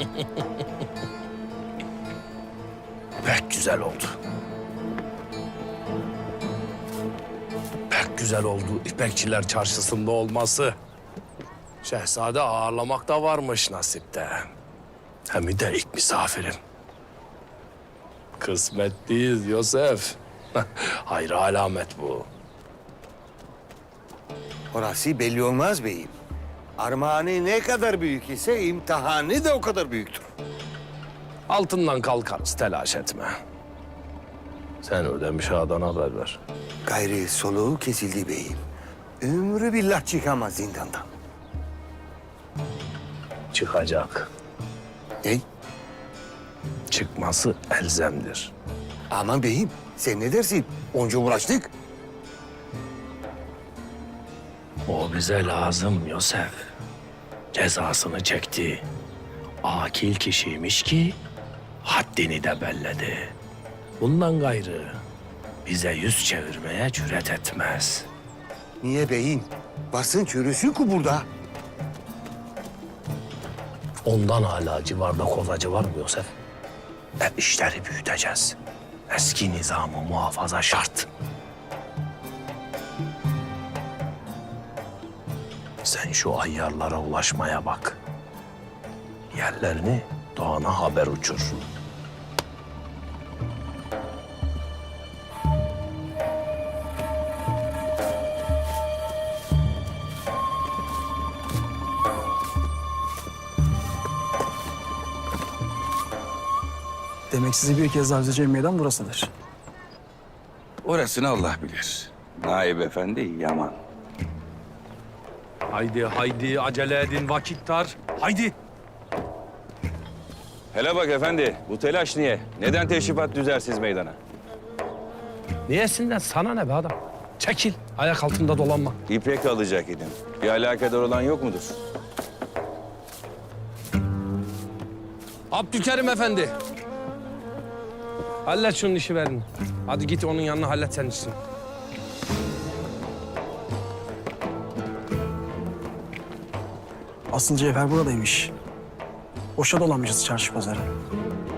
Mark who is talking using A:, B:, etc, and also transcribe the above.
A: Pek güzel oldu. Pek güzel oldu İpekçiler Çarşısı'nda olması. Şehzade ağırlamak da varmış nasipte. Hem de ilk misafirim. Kısmetliyiz Yosef. Hayır alamet bu.
B: Orası belli olmaz beyim. Armağanı ne kadar büyük ise imtihanı da o kadar büyüktür.
A: Altından kalkarız, telaş etme. Sen ödemiş ağadan haber ver.
B: Gayri soluğu kesildi beyim. Ömrü billah çıkamaz zindandan.
A: Çıkacak.
B: Ne?
A: Çıkması elzemdir.
B: Aman beyim sen ne dersin? Onca uğraştık.
A: O bize lazım Yosef. Cezasını çekti. Akil kişiymiş ki haddini de belledi. Bundan gayrı bize yüz çevirmeye cüret etmez.
B: Niye beyim? Basın çürüsü ku burada.
A: Ondan hala civarda kozacı var mı Yosef? İşleri büyüteceğiz. Eski nizamı muhafaza şart. Sen şu ayyarlara ulaşmaya bak. Yerlerini doğana haber uçur.
C: Demek sizi bir kez daha üzeceğim meydan burasıdır.
D: Orasını Allah bilir. Naip Efendi yaman.
A: Haydi haydi acele edin vakit dar. Haydi.
D: Hele bak efendi, bu telaş niye? Neden teşrifat düzersiz meydana?
A: Niyesinden sana ne be adam? Çekil. Ayak altında dolanma.
D: İpek alacak idin. Bir alakadar olan yok mudur?
A: Abdülkerim Efendi. Hallet şunun işi verin. Hadi git onun yanına hallet sen işini.
C: Asıl cevher buradaymış. Boşa dolanmışız çarşı pazarı.